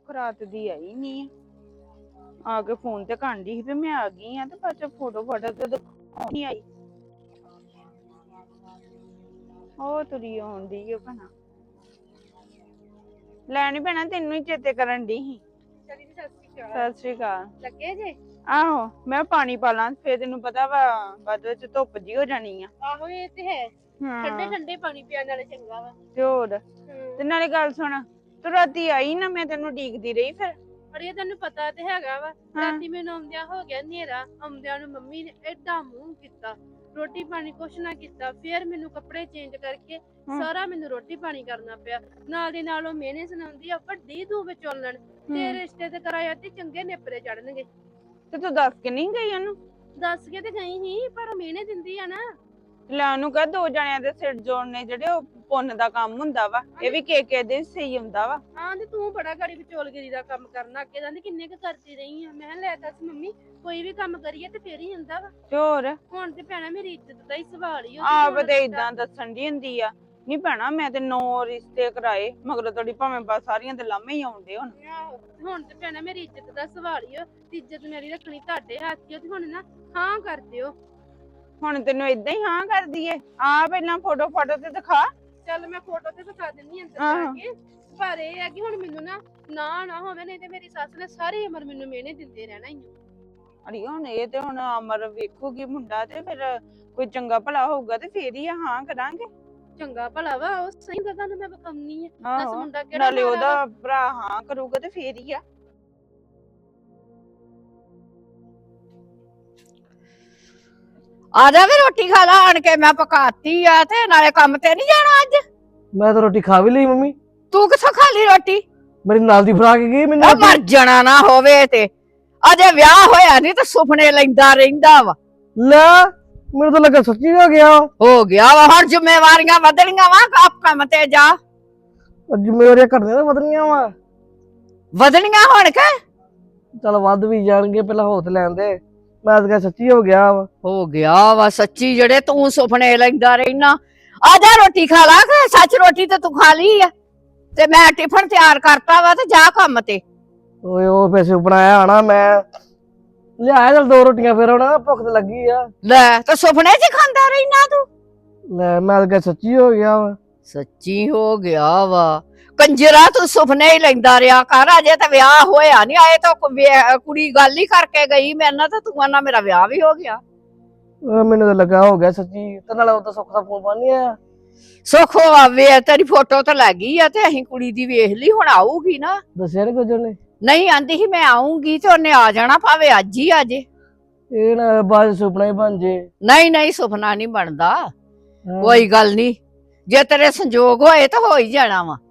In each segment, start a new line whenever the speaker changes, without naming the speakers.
ਸੁੱਖ ਰਾਤ ਦੀ ਆਈ ਨਹੀਂ ਆ ਕੇ ਫੋਨ ਤੇ ਕਾਂਡੀ ਸੀ ਵੀ ਮੈਂ ਆ ਗਈ ਆ ਤੇ ਬਾਅਦ ਚ ਫੋਟੋ ਤੇ ਨਹੀਂ ਆਈ। ਉਹ ਤੁਰੀ ਆਉਂਦੀ ਓ ਭੈਣਾ ਲੈਣੀ ਪੈਣਾ ਤੈਨੂੰ ਹੀ ਚੇਤੇ ਕਰਨ ਦੀ ਸੀ। ਸਤਿ ਸ਼੍ਰੀ ਅਕਾਲ।
ਲੱਗੇ ਜੇ?
ਆਹੋ ਮੈਂ ਪਾਣੀ ਪਾ ਲਾਂ ਫੇਰ ਤੈਨੂੰ ਪਤਾ ਵਾ ਬਾਅਦ ਵਿੱਚ ਧੁੱਪ ਜੀ ਹੋ ਜਾਣੀ ਆ।
ਆਹੋ ਇਹ ਤੇ ਹੈ। ਠੰਡੇ ਠੰਡੇ ਪਾਣੀ ਪੀਣ ਨਾਲੇ ਚੰਗਾ ਵਾ।
ਤੇ ਹੋਰ ਤੇ ਨਾਲੇ ਗੱਲ ਸੁਣ ਤੂੰ ਰਾਤੀ ਆਈ ਨਾ ਮੈਂ ਤੈਨੂੰ ਡੀਕਦੀ ਰਹੀ ਫਿਰ।
ਅਰੇ ਤੈਨੂੰ ਪਤਾ ਤੇ ਹੈਗਾ ਵਾ ਰਾਤੀ ਮੈਨੂੰ ਆਉਂਦਿਆਂ ਹੋ ਗਿਆ ਹਨੇਰਾ। ਆਉਂਦਿਆਂ ਨੂੰ ਮੰਮੀ ਨੇ ਏਡਾ ਮੂੰਹ ਕੀਤਾ ਰੋਟੀ ਪਾਣੀ ਕੁਛ ਨਾ ਕੀਤਾ। ਫਿਰ ਮੈਨੂੰ ਕੱਪੜੇ ਚੇਂਜ ਕਰਕੇ ਸਾਰਾ ਮੈਨੂੰ ਰੋਟੀ ਪਾਣੀ ਕਰਨਾ ਪਿਆ। ਨਾਲ ਦੀ ਨਾਲ ਉਹ ਮਿਹਨੇ ਸੁਣਾਉਂਦੀ ਆ ਵੱਡੀ ਤੂੰ ਵਿਚੋਲਣ ਤੇ ਰਿਸ਼ਤੇ ਤੇ ਕਰਾਇਆ ਤੇ ਚੰਗੇ ਨੇਪਰੇ ਚੜਨਗੇ।
ਤੇ ਤੂੰ ਦੱਸ ਕੇ ਨਹੀਂ ਗਈ ਉਹਨੂੰ?
ਦੱਸ ਕੇ ਤੇ ਗਈ ਸੀ ਪਰ ਮਿਹਨੇ ਦਿੰਦੀ ਆ ਨਾ।
ਲੈ ਉਹਨੂੰ ਕਹ ਦੋ ਜਣਿਆਂ ਦੇ ਸਿਰ ਜੋੜਨੇ ਜਿਹੜੇ ਉਹ ਪੁੰਨ ਦਾ ਕੰਮ ਹੁੰਦਾ ਵਾ। ਇਹ ਵੀ ਕੇ ਦੇ ਸਹੀ ਹੁੰਦਾ ਵਾ।
ਹਾਂ ਤੇ ਤੂੰ ਬੜਾ ਗਾੜੀ ਵਿਚੋਲਗਿਰੀ ਦਾ ਕੰਮ ਕਰਨਾ ਅੱਗੇ ਜਾਂਦੀ ਕਿੰਨੇ ਕੁ ਕਰਦੀ ਰਹੀ ਆ। ਮੈਂ ਲੈ ਦੱਸ ਮੰਮੀ ਕੋਈ ਵੀ ਕੰਮ ਕਰੀਏ ਤੇ ਫੇਰ ਹੀ ਹੁੰਦਾ ਵਾ।
ਤੇ ਹੋਰ
ਹੁਣ ਤੇ ਭੈਣਾ ਮੇਰੀ ਇੱਜ਼ਤ ਦਾ ਹੀ ਸਵਾਲ ਹੀ
ਆਪ ਤੇ ਇਦਾਂ ਦੱਸਣ ਦੀ ਹੁੰਦੀ ਆ। ਨਹੀਂ ਭੈਣਾ ਮੈਂ ਤੇ 9 ਰਿਸ਼ਤੇ ਕਰਾਏ ਮਗਰ ਤੁਹਾਡੀ ਭਾਵੇਂ ਬਸ ਸਾਰੀਆਂ ਤੇ ਲਾਮੇ ਹੀ ਆਉਂਦੇ ਹੁਣ।
ਹੁਣ ਤੇ ਭੈਣਾ ਮੇਰੀ ਇੱਜ਼ਤ ਦਾ ਸਵਾਲ ਹੀ ਇੱਜ਼ਤ ਮੇਰੀ ਰੱਖਣੀ ਤੁਹਾਡੇ ਹੱਥ ਹੀ ਤੇ ਹੁਣ ਨਾ ਹਾਂ ਕਰ ਦਿਓ।
ਹੁਣ ਤੈਨੂੰ ਇਦਾਂ ਹੀ ਹਾਂ ਕਰਦੀ ਏ ਆ ਪਹਿਲਾਂ ਫੋਟੋ ਤੇ ਦਿਖਾ।
ਚੱਲ ਮੈਂ ਫੋਟੋ ਤੇ ਦਿਖਾ ਦਿੰਨੀ ਅੰਦਰ ਜਾ ਕੇ। ਪਰ ਇਹ ਹੈ ਕਿ ਹੁਣ ਮੈਨੂੰ ਨਾ ਹੋਵੇ ਨਹੀਂ ਤੇ ਮੇਰੀ ਸੱਸ ਨੇ ਸਾਰੀ ਉਮਰ ਮੈਨੂੰ ਮਿਹਨੇ ਦਿੰਦੇ ਰਹਿਣਾ ਹੀ।
ਅੜੀ ਹੁਣ ਇਹ ਤੇ ਹੁਣ ਅਮਰ ਵੇਖੂਗੀ ਮੁੰਡਾ ਤੇ ਫਿਰ ਕੋਈ ਚੰਗਾ ਭਲਾ ਹੋਊਗਾ ਤੇ ਫੇਰ ਹੀ ਹਾਂ ਕਰਾਂਗੇ।
ਚੰਗਾ ਭਲਾ ਵਾ ਉਹ ਸਹੀ ਗੱਲ ਨੂੰ ਮੈਂ ਬਖਮਨੀ ਆ। ਦੱਸ ਮੁੰਡਾ ਕਿਹੜਾ
ਨਾਲੇ ਉਹਦਾ ਭਰਾ ਹਾਂ ਕਰੂਗਾ ਤੇ ਫੇਰ ਹੀ ਆ।
ਆ ਜਾ ਵੀ ਰੋਟੀ ਖਾ ਲਾ ਆਣ ਕੇ ਮੈਂ ਪਕਾਤੀ ਆ ਤੇ ਨਾਲੇ ਕੰਮ ਤੇ ਨਹੀਂ ਜਾਣਾ ਅੱਜ?
ਮੈਂ ਤਾਂ ਰੋਟੀ ਖਾ ਵੀ ਲਈ ਮੰਮੀ।
ਤੂੰ ਕਿੱਥੋਂ ਖਾ ਲਈ ਰੋਟੀ?
ਮੇਰੀ ਨਾਲ ਦੀ ਫੜਾ ਕੇ ਗਈ ਮੈਨੂੰ।
ਮਰ ਜਾਣਾ ਨਾ ਹੋਵੇ ਤੇ ਅਜੇ ਵਿਆਹ ਹੋਇਆ ਨਹੀਂ ਤੇ ਸੁਪਨੇ ਲੈਂਦਾ ਰਹਿੰਦਾ ਵਾ।
ਲੈ ਮੈਨੂੰ ਤਾਂ ਲੱਗਾ ਸੱਚੀ ਹੋ ਗਿਆ
ਵਾ। ਹੁਣ ਜ਼ਿੰਮੇਵਾਰੀਆਂ ਵਧਣੀਆਂ ਵਾ ਆਪ ਕੰਮ ਤੇ ਜਾ।
ਜ਼ਿੰਮੇਵਾਰੀਆਂ ਘਟਦੀਆਂ ਤਾਂ ਵਧਣੀਆਂ ਵਾ।
ਵਧਣੀਆਂ ਹੁਣ ਕੇ
ਚੱਲ ਵੱਧ ਵੀ ਜਾਣਗੇ ਪਹਿਲਾਂ ਹੋ ਤੇ ਲੈਣ ਦੇ। ਮੈਂ ਤਾਂ ਸੱਚੀ ਹੋ ਗਿਆ
ਵਾ ਸੱਚੀ ਜਿਹੜੇ ਤੂੰ ਸੁਪਨੇ ਲੈਂਦਾ ਰਹਿਣਾ। ਆ ਜਾ ਰੋਟੀ ਖਾ ਲਾ। ਸੱਚ ਰੋਟੀ ਤੇ ਤੂੰ ਖਾ ਲਈ ਆ ਤੇ ਮੈਂ ਟਿਫਨ ਤਿਆਰ ਕਰਤਾ ਵਾ ਤੇ ਜਾ ਕੰਮ ਤੇ।
ਓਏ ਉਹ ਪੈਸੇ ਬਣਾਇਆ ਆਣਾ ਮੈਂ ਲਿਆਇਆ ਚੱਲ 2 ਰੋਟੀਆਂ ਫਿਰ ਹੁਣ ਭੁੱਖ ਤੇ ਲੱਗੀ ਆ।
ਲੈ ਤੇ ਸੁਪਨੇ 'ਚ ਖਾਂਦਾ ਰਹਿਣਾ ਤੂੰ।
ਲੈ ਮੈਂ ਤਾਂ ਸੱਚੀ ਹੋ ਗਿਆ ਵਾ।
ਸੱਚੀ ਹੋ ਗਿਆ ਵਾ ਕੰਜਰਾ ਤੂੰ ਸੁਪਨੇ ਹੀ ਲੈਂਦਾ ਰਿਹਾ ਕਰ। ਅਜੇ ਤਾਂ ਵਿਆਹ ਹੋਇਆ ਨਹੀਂ ਆਏ ਤਾਂ ਕੁੜੀ ਗੱਲ ਹੀ ਕਰਕੇ ਗਈ ਮੇਰੇ ਨਾਲ ਤੇ ਤੂੰ ਆਨਾ ਮੇਰਾ ਵਿਆਹ ਵੀ ਹੋ ਗਿਆ।
ਮੈਨੂੰ ਤਾਂ ਲੱਗਾ ਹੋ ਗਿਆ ਸੱਚੀ ਤੇ ਨਾਲੇ ਉਹ ਤਾਂ ਸੁੱਖ ਦਾ ਫੋਨ ਪਾਣੀ ਆ।
ਸੁੱਖ ਆਵੇ ਤੇਰੀ ਫੋਟੋ ਤਾਂ ਲੱਗ ਗਈ ਆ ਤੇ ਅਸੀਂ ਕੁੜੀ ਦੀ ਵੇਖ ਲਈ ਹੁਣ ਆਊਗੀ ਨਾ।
ਦੱਸਿਆ ਨੀ ਕੁਝ ਉਹਨੇ?
ਨਹੀਂ ਆਂਦੀ ਸੀ ਮੈਂ ਆਉਂਗੀ ਤੇ ਉਹਨੇ ਆ ਜਾਣਾ ਭਾਵੇਂ ਅੱਜ ਹੀ ਆ ਜੇ।
ਇਹ ਨਾ ਬਾਅਦ ਸੁਪਨਾ ਹੀ ਬਣ ਜੇ।
ਨਹੀਂ ਸੁਪਨਾ ਨਹੀਂ ਬਣਦਾ। ਕੋਈ ਗੱਲ ਨਹੀਂ ਜੇ ਤੇਰੇ ਸੰਜੋਗ ਹੋਏ ਤਾਂ ਹੋ ਹੀ ਜਾਣਾ ਵਾ।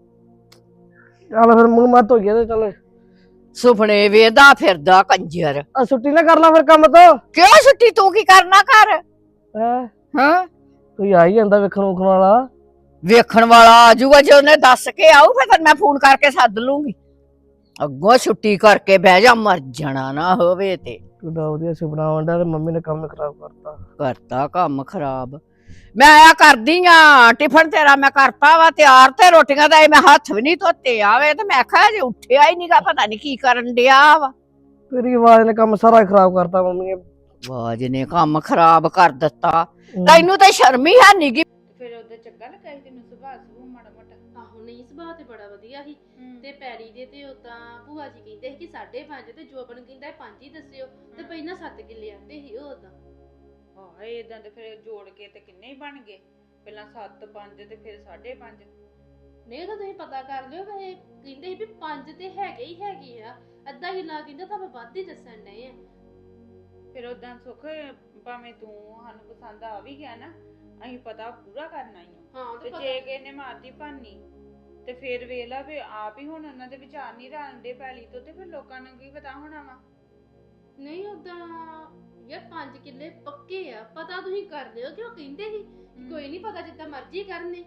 ਚੱਲ ਫਿਰ ਮੂੰਹ ਮੱਤ ਹੋ ਗਿਆ ਤੇ ਚੱਲ
ਸੁਪਨੇ ਵੇਦਾ ਫਿਰਦਾ ਕੰਜਰ।
ਆ ਛੁੱਟੀ ਨਾ ਕਰ ਲਾ ਫਿਰ ਕੰਮ ਤੋਂ।
ਕਿਉਂ ਛੁੱਟੀ ਤੂੰ ਕੀ ਕਰਨਾ ਕਰ?
ਹਾਂ ਕੋਈ ਆ ਹੀ ਜਾਂਦਾ ਵੇਖਣ ਵਾਲਾ।
ਵੇਖਣ ਵਾਲਾ ਆ ਜਾਊਗਾ ਜੇ ਉਹਨੇ ਦੱਸ ਕੇ ਆਊ ਫਿਰ ਮੈਂ ਫੋਨ ਕਰਕੇ ਸੱਦ ਲੂੰਗੀ। ਅੱਗੋਂ ਛੁੱਟੀ ਕਰਕੇ ਬਹਿ ਜਾ ਮਰ ਜਾਣਾ ਨਾ ਹੋਵੇ ਤੇ।
ਕਿੱਡਾ ਵਧੀਆ ਸੁਪਨਾ ਆਉਂਦਾ ਤੇ ਮੰਮੀ ਨੇ ਕੰਮ ਖਰਾਬ
ਕਰਤਾ ਕੰਮ ਖਰਾਬ। ਮੈਂ ਆਇਆ ਕਰਦੀ ਆ ਟਿਫਨ ਤੇਰਾ ਮੈਂ ਕਰਤਾ ਵਾ ਤਿਆਰ ਤੇ ਰੋਟੀਆਂ ਦਾ ਮੈਂ ਹੱਥ ਵੀ ਨਹੀਂ ਧੋਤੇ ਆਵੇ ਤੇ ਮੈਂ ਕਿਹਾ ਜੇ ਉੱਠਿਆ ਹੀ ਨਹੀਂਗਾ ਪਤਾ ਨਹੀਂ ਕੀ ਕਰਨ ਡਿਆ ਵਾ।
ਤੇਰੀ ਆਵਾਜ਼ ਨੇ ਕੰਮ ਸਾਰਾ ਖਰਾਬ ਕਰਤਾ ਮੰਮੀ ਨੇ।
ਆਵਾਜ਼ ਨੇ ਕੰਮ ਖਰਾਬ ਕਰ ਦਿੱਤਾ। ਤੈਨੂੰ ਤਾਂ ਸ਼ਰਮ ਹੀ ਹੈ ਨੀ ਗੀ।
ਫਿਰ ਉਹਦੇ ਚੰਗਾ ਲੱਗਾ ਸੀ ਤੈਨੂੰ ਸੁਭਾਅ ਮਾੜਾ ਮੋਟਾ?
ਆਹੋ ਨਹੀਂ ਸੁਭਾਅ ਤੇ ਬੜਾ ਵਧੀਆ ਸੀ ਤੇ ਪੈੜੀ ਦੇ ਤੇ ਉਦਾਂ ਭੂਆ ਜੀ ਕਹਿੰਦੇ ਸੀ ਕਿ 5.5 ਤੇ ਜੋਬਨ ਕਹਿੰਦਾ 5 ਹੀ ਦੱਸਿਓ ਤੇ ਪਹਿਲਾਂ 7 ਕਿੱਲੇ ਆਂਦੇ ਸੀ ਉਹ ਉਦਾਂ।
ਹਾਂ ਇਦਾਂ ਤੇ ਫਿਰ ਜੋੜ ਕੇ ਤੇ ਕਿੰਨੇ ਹੀ ਬਣ ਗਏ ਪਹਿਲਾਂ 7 5 ਤੇ ਫਿਰ 5.5।
ਨਹੀਂ ਤਾਂ ਤੁਸੀਂ ਪਤਾ ਕਰ ਲਿਓ ਵੈਸੇ ਕਹਿੰਦੇ ਸੀ ਵੀ 5 ਤੇ ਹੈਗੇ ਆ ਅੱਧਾ ਹੀ ਲਾ ਕਹਿੰਦਾ ਤਾਂ ਵੱਧ ਹੀ ਦੱਸਣ ਡਏ ਆ।
ਫਿਰ ਉਦਾਂ ਸੁੱਖ ਭਾਵੇਂ ਤੂੰ ਸਾਨੂੰ ਪਸੰਦ ਆ ਵੀ ਗਿਆ ਨਾ ਅਸੀਂ ਪਤਾ ਪੂਰਾ ਕਰਨਾ ਹੀ
ਹਾਂ
ਤੇ ਜੇ ਕਿਸੇ ਨੇ ਮਾਰਦੀ ਭਾਨੀ ਤੇ ਫਿਰ ਵੇਖ ਲਾ ਵੀ ਆਪ ਹੀ ਹੁਣ ਉਹਨਾਂ ਦੇ ਵਿਚਾਰ ਨਹੀਂ ਰਲਦੇ ਪੈਲੀ ਤੋਂ ਤੇ ਫਿਰ ਲੋਕਾਂ ਨੂੰ ਕੀ ਪਤਾ ਹੋਣਾ ਵਾ।
ਨਹੀਂ ਉਦਾਂ ਯਾਰ 5 ਕਿੱਲੇ ਪੱਕੇ ਆ ਪਤਾ ਤੁਸੀਂ ਕਰ ਲਿਓ ਕਿ ਉਹ ਕਹਿੰਦੇ ਸੀ ਕੋਈ ਨਹੀਂ ਪਤਾ ਜਿੱਦਾਂ ਮਰਜ਼ੀ ਕਰਨੇ।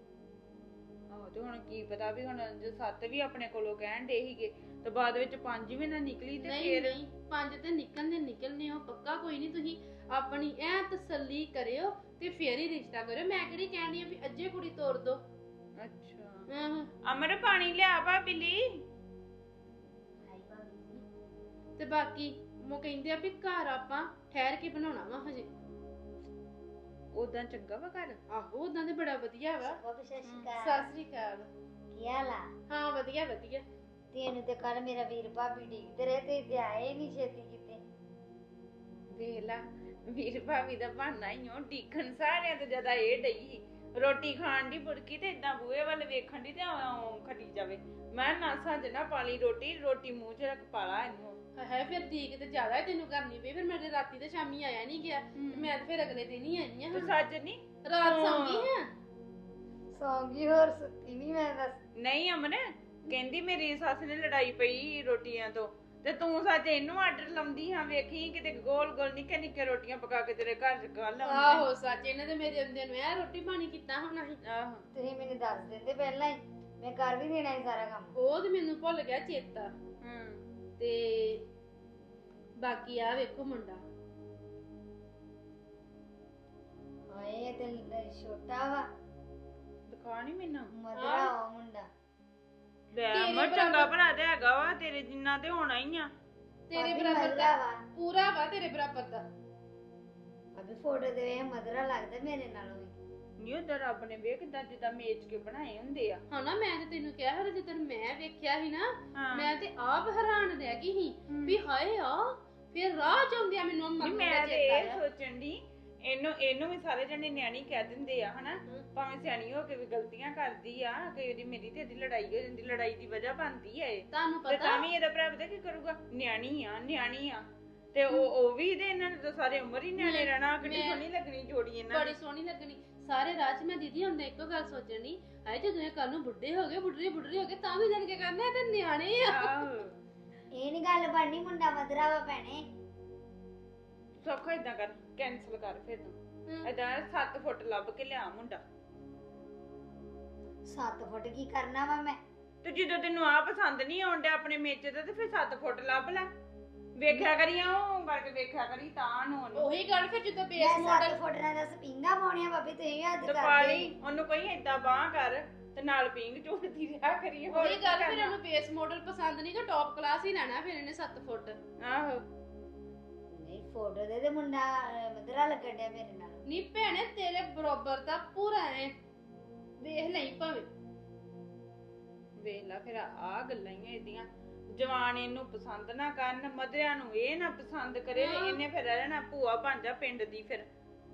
ਆਹੋ ਤੇ ਹੁਣ ਕੀ ਪਤਾ ਵੀ ਹੁਣ ਜੇ 7 ਵੀ ਆਪਣੇ ਕੋਲੋਂ ਕਹਿਣ ਦੇ ਸੀਗੇ ਤੇ ਬਾਅਦ ਵਿੱਚ 5 ਵੀ ਨਾ ਨਿਕਲੀ ਤੇ ਫਿਰ
ਨਹੀਂ 5 ਤੇ ਨਿਕਲਨੇ ਉਹ ਪੱਕਾ ਕੋਈ ਨਹੀਂ। ਤੁਸੀਂ ਆਪਣੀ ਐ ਤਸੱਲੀ ਕਰਿਓ ਤੇ ਫੇਰ ਹੀ ਰਿਸ਼ਤਾ ਕਰਿਓ। ਮੈਂ ਕਿਹੜੀ ਕਹਿਣੀ ਆ ਵੀ ਅੱਜੇ ਕੁੜੀ ਤੋਰ ਦੋ।
ਅੱਛਾ ਅਮਰ ਪਾਣੀ ਲਿਆ ਭਾਬੀ ਲਈ।
ਤੇ ਬਾਕੀ ਉਹ ਕਹਿੰਦੇ ਆ ਵੀ ਘਰ ਆਪਾਂ ਠਹਿਰ ਕੇ ਬਣਾਉਣਾ ਵਾ ਹਜੇ।
ਉਦਾਂ ਚੰਗਾ ਵਾ ਘਰ?
ਆਹੋ ਉਦਾਂ ਤੇ ਬੜਾ ਵਧੀਆ ਵਾ।
ਸਤਿ ਸ਼੍ਰੀ ਅਕਾਲ।
ਸਤਿ ਸ੍ਰੀ ਅਕਾਲ।
ਕੀ ਹਾਲ ਆ?
ਹਾਂ ਵਧੀਆ ਵਧੀਆ।
ਤੈਨੂੰ ਤੇ ਕੱਲ ਮੇਰਾ ਵੀਰ ਭਾਬੀ ਡੀਕਦੇ ਰਹੇ ਤੇ ਆਏ ਨਹੀਂ ਛੇਤੀ ਕਿਤੇ।
ਵੇਲਾ ਵੀਰ ਭਾਵੇਂ ਦਾ ਬਹਾਨਾ ਹੀ ਓ ਡੀਖਣ ਸਾਰਿਆਂ ਤੋਂ ਜ਼ਿਆਦਾ ਇਹ ਡਈ ਰੋਟੀ ਖਾਣ ਦੀ ਬੁੜਕੀ ਤੇ ਇਦਾਂ ਬੂਹੇ ਵੱਲ ਵੇਖਣ ਦੀ ਤੇ ਆਉਂ ਖੜੀ ਜਾਵੇ। ਮੈਂ ਨਾ ਸੱਜ ਨਾ ਪਾਲੀ ਰੋਟੀ ਮੂੰਹ 'ਚ ਰੱਖ ਪਾਲਾ ਇਹਨੂੰ।
ਹੈ ਫਿਰ ਠੀਕ ਤੇ ਜ਼ਿਆਦਾ ਤੈਨੂੰ ਕਰਨੀ ਪਈ। ਫਿਰ ਮੇਰੇ ਰਾਤੀ ਤੇ ਸ਼ਾਮੀ ਆਇਆ ਨਹੀਂ ਗਿਆ ਤੇ ਮੈਂ ਤੇ ਫਿਰ ਅਗਲੇ ਦਿਨ ਹੀ ਆਈ
ਤੂੰ
ਆ।
ਸੱਜ ਨਹੀਂ
ਰਾਤ ਸੌਂ ਗਈ ਹਾਂ।
ਸੌਂਗੀ ਹੋਰ ਸੁੱਤੀ ਨਹੀਂ ਮੈਂ ਦੱਸ।
ਨਹੀਂ ਅਮਨ ਕਹਿੰਦੀ ਮੇਰੀ ਸੱਸ ਨੇ ਲੜਾਈ ਪਈ ਰੋਟੀਆਂ ਤੋਂ ਤੇ ਤੂੰ ਸੱਚ ਇਹਨੂੰ ਆਰਡਰ ਲਾਉਂਦੀ ਹਾਂ। ਵੇਖੀ ਕਿਤੇ ਗੋਲ ਗੋਲ ਨਿੱਕੇ ਨਿੱਕੇ ਰੋਟੀਆਂ ਪਕਾ ਕੇ ਤੇਰੇ ਘਰ ਚ ਕੱਲ
ਆਹੋ ਸੱਚ ਇਹਨੇ ਤੇ ਮੇਰੇ ਹੁੰਦੇ ਨੂੰ ਇਹ ਰੋਟੀ ਪਾਣੀ ਕੀਤਾ ਹੋਣਾ ਸੀ।
ਆਹੋ
ਤੁਸੀਂ ਮੈਨੂੰ ਦੱਸ ਦਿੰਦੇ ਪਹਿਲਾਂ ਹੀ, ਮੈਂ ਕਰ ਵੀ ਦੇਣਾ ਸੀ ਸਾਰਾ ਕੰਮ।
ਉਹ ਤੇ ਮੈਨੂੰ ਭੁੱਲ ਗਿਆ ਚੇਤਾ। ਤੇ ਬਾਕੀ ਆ ਵੇਖੋ ਮੁੰਡਾ।
ਹਾਏ ਇਹ ਤੇ ਛੋਟਾ ਵਾ,
ਦਿਖਾ ਨੀ ਮੈਨੂੰ
ਮਧਰਾ ਵਾ ਮੁੰਡਾ।
ਲੈ
ਤੇਰੇ
ਮੈਂ ਚੰਗਾ
ਬਰਾਬਰ-
ਭਰਾ ਤੇ ਹੈਗਾ ਵਾ ਤੇਰੇ ਜਿੰਨਾ ਤੇ ਹੋਣਾ ਹੀ ਆ।
ਤੇਰੇ
ਭਾਬੀ
ਬਰਾਬਰ
ਮਧਰਾ
ਦਾ
ਵਾ।
ਪੂਰਾ ਵਾ ਤੇਰੇ ਬਰਾਬਰ ਦਾ।
ਅਭੀ ਫੋਟੋ ਤੇ ਵੇਖ ਮਧਰਾ ਲੱਗਦਾ ਮੇਰੇ ਨਾਲੋਂ ਵੀ।
ਨਹੀਂ ਉਹਦਾ ਰੱਬ ਨੇ ਵੇਖ ਕਿਦਾਂ ਜਿੱਦਾਂ ਮੇਚ ਕੇ ਬਣਾਏ ਹੁੰਦੇ ਆ।
ਹਨਾ ਮੈਂ ਤੇ ਤੈਨੂੰ ਕਿਹਾ ਹਰ ਜਦੋਂ ਮੈਂ ਵੇਖਿਆ ਸੀ ਨਾ
ਹਾਂ
ਮੈਂ ਤੇ ਆਪ ਹੈਰਾਨ ਰਹਿ ਗਈ ਸੀ ਵੀ ਹਾਏ ਆ। ਫਿਰ ਰਾਹ ਚ ਆਉਂਦਿਆਂ ਮੈਨੂੰ
ਨਹੀਂ,
ਮੰਮੀ ਦਾ
ਮੈਂ ਤੇ
ਚੇਤਾ
ਇਹ
ਆਇਆ।
ਸੋਚਣ ਦੀ ਇਹਨੂੰ ਵੀ ਸਾਰੇ ਜਣੇ ਨਿਆਣੀ ਕਹਿ ਦਿੰਦੇ ਆ ਹਨਾ। ਭਾਵੇਂ ਸਿਆਣੀ ਹੋ ਕੇ ਵੀ ਗਲਤੀਆਂ ਕਰਦੀ ਆ ਕਈ ਵਾਰੀ ਮੇਰੀ ਤੇ ਇਹਦੀ ਲੜਾਈ ਹੋ ਜਾਂਦੀ, ਲੜਾਈ ਦੀ ਵਜ੍ਹਾ ਬਣਦੀ ਆ ਇਹ।
ਤੁਹਾਨੂੰ
ਤੇ
ਪਤਾ
ਤਾਂ ਵੀ ਇਹਦਾ ਭਰਾ ਪਤਾ ਕੀ ਕਰੂਗਾ, ਨਿਆਣੀ ਆ ਤੇ ਉਹ ਵੀ ਤੇ ਇਹਨਾਂ ਨੇ ਤਾਂ ਸਾਰੇ ਉਮਰ ਹੀ ਨਿਆਣੇ ਰਹਿਣਾ। ਕਿੰਨੀ ਸੋਹਣੀ ਲੱਗਣੀ ਜੋੜੀ ਇਹਨਾਂ
ਬੜੀ ਸੋਹਣੀ ਲੱਗਣੀ। ਸਾਰੇ ਰਾਹ ਚ ਮੈਂ ਦੀਦੀ ਹੁੰਦੇ ਇੱਕੋ ਗੱਲ ਸੋਚਣੀ ਹਾਏ ਜਦੋਂ ਇਹ ਕੱਲ ਨੂੰ ਬੁੱਢੇ ਹੋ ਗਏ ਬੁੱਢੇ ਹੋ ਗਏ ਤਾਂ ਵੀ ਜਾਣ ਕੇ ਕਰਨਾ ਇਹ ਤੇ ਨਿਆਣੇ ਆ।
ਆਹੋ
ਇਹ ਨੀ ਗੱਲ ਬਣਨੀ, ਮੁੰਡਾ ਮਧਰਾ ਵਾ ਭੈਣੇ।
ਸੌਖਾ ਏਦਾਂ ਕਰ, ਕੈਨਸਲ ਕਰ ਫਿਰ ਤੂੰ ਏਦਾਂ 7 ਫੁੱਟ ਲੱਭ ਕੇ ਲਿਆ ਮੁੰਡਾ।
7 ਫੁੱਟ ਕੀ ਕਰਨਾ ਵਾ ਮੈਂ?
ਤੇ ਜਦੋਂ ਤੈਨੂੰ ਆ ਪਸੰਦ ਨਹੀਂ ਆਉਂਦਾ ਆਪਣੇ ਮੇਚੇ ਦਾ ਤੇ ਫਿਰ 7 ਫੁੱਟ ਲੱਭ ਲੈ। ਵੇਖਿਆ ਕਰੀ ਉਹ ਕਰਕੇ ਵੇਖਿਆ ਕਰੀ ਤਾਂ ਨੂੰ ਉਹਨੂੰ
ਉਹੀ ਗੱਲ ਫਿਰ ਜਦੋਂ ਬੇਸ
ਮੈਂ 7
ਮਾਡਲ
ਫੁੱਟ ਨਾਲ ਦੱਸ ਪਿੰਗਾ ਪਾਉਣੀਆਂ ਭਾਬੀ, ਤੁਸੀਂ ਹੱਦ
ਤੇ
ਕਰਦੇ
ਪਾਲੀ ਉਹਨੂੰ ਕੋਈ ਏਦਾਂ ਬਾਹ ਕਰ ਤੇ ਨਾਲ ਪਿੰਗ ਝੂਟਦੀ ਰਿਹਾ ਕਰੀ। ਹੋਰ
ਉਹੀ
ਕੀ
ਗੱਲ ਫਿਰ
ਕਰਨਾ?
ਉਹਨੂੰ ਬੇਸ ਮਾਡਲ ਪਸੰਦ ਨਹੀਂ ਕਿ ਟੌਪ ਕਲਾਸ ਹੀ ਲੈਣਾ ਫਿਰ ਇਹਨੇ 7 ਫੁੱਟ।
ਆਹੋ
ਨਹੀਂ ਫੋਟੋ ਦੇ ਮੁੰਡਾ ਮਧਰਾ ਲੱਗਣ ਡਿਆ ਮੇਰੇ ਨਾਲ।
ਨਹੀਂ ਭੈਣੇ ਤੇਰੇ ਬਰਾਬਰ ਦਾ ਪੂਰਾ ਐ ਵੇਖ ਲਈ ਭਾਵੇਂ।
ਵੇਖ ਲੈ ਫਿਰ ਆ ਗੱਲਾਂ ਹੀ ਇਹਦੀਆਂ। ਜਵਾਨ ਇਹਨੂੰ ਪਸੰਦ ਨਾ ਕਰਨ, ਮਧਰਿਆਂ ਨੂੰ ਇਹ ਨਾ ਪਸੰਦ ਕਰੇ, ਇਹਨੇ ਫਿਰ ਰਹਿਣਾ ਭੂਆ ਬਣ ਜਾ ਪਿੰਡ ਦੀ। ਫਿਰ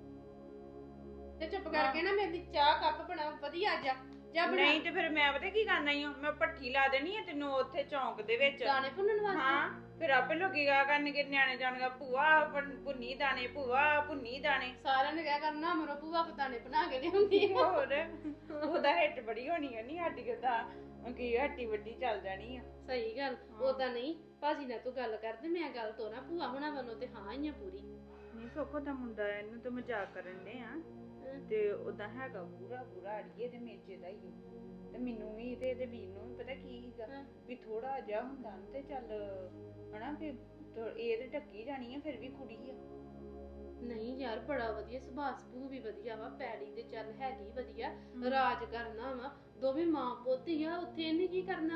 ਤੇ ਚੁੱਪ ਕਰਕੇ ਨਾ ਮੇਰੀ ਚਾਹ ਕੱਪ ਬਣਾ ਵਧੀਆ ਜਾ ਬਣਾ।
ਨਹੀਂ ਤੇ ਫਿਰ ਮੈਂ ਪਤਾ ਕੀ ਕਰਨਾ ਈ ਓ, ਮੈਂ ਭੱਠੀ ਲਾ ਦੇਣੀ ਆ ਤੈਨੂੰ ਉੱਥੇ ਚੌਂਕ ਦੇ ਵਿੱਚ।
ਦਾਣੇ ਭੁੰਨਣ ਵਾਸਤੇ।
ਹਾਂ ਫਿਰ ਆਪੇ ਲੋਕੀ ਗਾ ਕਰਨਗੇ, ਨਿਆਣੇ ਜਾਣਗਾ ਭੂਆ ਭੁੰਨੀ ਦਾਣੇ, ਭੂਆ ਭੁੰਨੀ ਦਾਣੇ।
ਸਾਰਿਆਂ ਨੇ ਕਿਹਾ ਕਰਨਾ ਮਰੋ ਭੂਆ ਦਾਣੇ ਬਣਾ ਕੇ ਲਿਆਉਂਦੀ ਆ।
ਹੋਰ ਉਹਦਾ ਹਿੱਟ ਬੜੀ ਹੋਣੀ ਆ। ਨਹੀਂ ਸਾਡੀ ਕਿਦਾਂ ਕੀ ਹੱਟੀ ਵੱਡੀ ਚੱਲ ਜਾਣੀ ਆ।
ਸਹੀ ਗੱਲ ਉਦਾਂ ਨਹੀਂ ਭਾਜੀ ਨਾਲ ਤੂੰ ਗੱਲ ਕਰਦੇ ਮੈਂ ਗੱਲ ਤੋਰਾਂ ਭੂਆ ਹੁਣਾਂ ਵੱਲੋਂ ਤੇ ਹਾਂ ਹੀ ਆ ਪੂਰੀ।
ਨਹੀਂ ਸੋਖੋ ਦਾ ਮੁੰਡਾ ਇਹਨੂੰ ਤਾਂ ਮਜ਼ਾਕ ਕਰਨ ਦੇ ਆ ਤੇ ਉਦਾਂ ਹੈਗਾ ਪੂਰਾ ਅੜੀਏ ਦੇ ਮੇਚੇ ਦਾ ਹੀ। ਤੇ ਮੈਨੂੰ ਵੀ ਤੇ ਇਹਦੇ ਵੀਰ ਨੂੰ ਵੀ ਪਤਾ ਕੀ ਸੀਗਾ ਵੀ ਥੋੜਾ ਜਿਹਾ ਹੁੰਦਾ ਨਾ ਤੇ ਚੱਲ ਹਨਾ ਵੀ ਇਹ ਤੇ ਢੱਕੀ ਜਾਣੀ ਆ, ਫਿਰ ਵੀ ਕੁੜੀ ਆ।
ਨਹੀਂ ਯਾਰ ਬੜਾ ਵਧੀਆ ਸੁਭਾਅ ਸੁਭੂ ਵੀ ਵਧੀਆ ਵਾ, ਪੈੜੀ ਤੇ ਚੱਲ ਹੈਗੀ ਵਧੀਆ, ਰਾਜ ਕਰਨਾ ਵਾ, ਦੋਵੇਂ ਮਾਂ ਪੁੱਤ ਹੀ ਆ, ਉੱਥੇ ਇਹਨੇ ਕੀ ਕਰਨਾ।